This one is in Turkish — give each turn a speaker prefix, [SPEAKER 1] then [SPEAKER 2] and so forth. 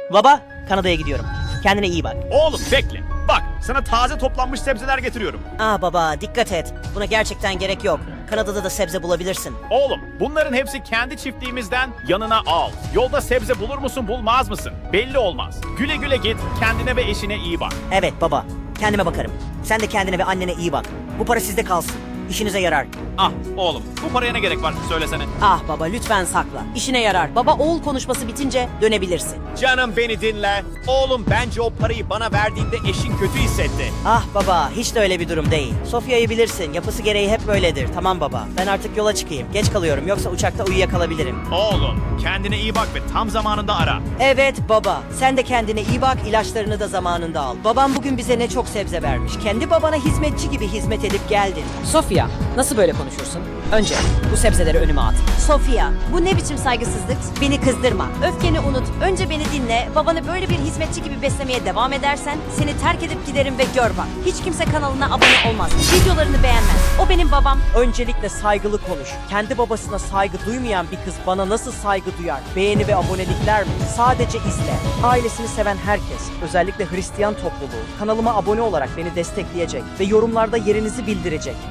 [SPEAKER 1] Baba, Kanada'ya gidiyorum. Kendine iyi bak.
[SPEAKER 2] Oğlum bekle. Bak sana taze toplanmış sebzeler getiriyorum.
[SPEAKER 1] Baba, dikkat et. Buna gerçekten gerek yok. Kanada'da da sebze bulabilirsin.
[SPEAKER 2] Oğlum bunların hepsi kendi çiftliğimizden, yanına al. Yolda sebze bulur musun bulmaz mısın? Belli olmaz. Güle güle git, kendine ve eşine iyi bak.
[SPEAKER 1] Evet baba, kendime bakarım. Sen de kendine ve annene iyi bak. Bu para sizde kalsın. İşinize yarar.
[SPEAKER 2] Ah oğlum bu paraya ne gerek var söylesene.
[SPEAKER 3] Ah baba lütfen sakla. İşine yarar. Baba oğul konuşması bitince dönebilirsin.
[SPEAKER 4] Canım beni dinle. Oğlum bence o parayı bana verdiğinde eşin kötü hissetti.
[SPEAKER 1] Ah baba, hiç de öyle bir durum değil. Sofya'yı bilirsin, yapısı gereği hep böyledir. Tamam baba, ben artık yola çıkayım. Geç kalıyorum, yoksa uçakta uyuyakalabilirim.
[SPEAKER 2] Oğlum kendine iyi bak ve tam zamanında ara.
[SPEAKER 1] Evet baba, sen de kendine iyi bak, ilaçlarını da zamanında al. Babam bugün bize ne çok sebze vermiş. Kendi babana hizmetçi gibi hizmet edip geldin.
[SPEAKER 3] Sofya nasıl böyle konuşursun? Önce bu sebzeleri önüme at.
[SPEAKER 5] Sofia, bu ne biçim saygısızlık? Beni kızdırma. Öfkeni unut. Önce beni dinle. Babanı böyle bir hizmetçi gibi beslemeye devam edersen seni terk edip giderim ve gör bak. Hiç kimse kanalına abone olmaz. Videolarını beğenmez. O benim babam.
[SPEAKER 6] Öncelikle saygılı konuş. Kendi babasına saygı duymayan bir kız bana nasıl saygı duyar? Beğeni ve abonelikler mi? Sadece izle. Ailesini seven herkes, özellikle Hristiyan topluluğu, kanalıma abone olarak beni destekleyecek ve yorumlarda yerinizi bildirecek.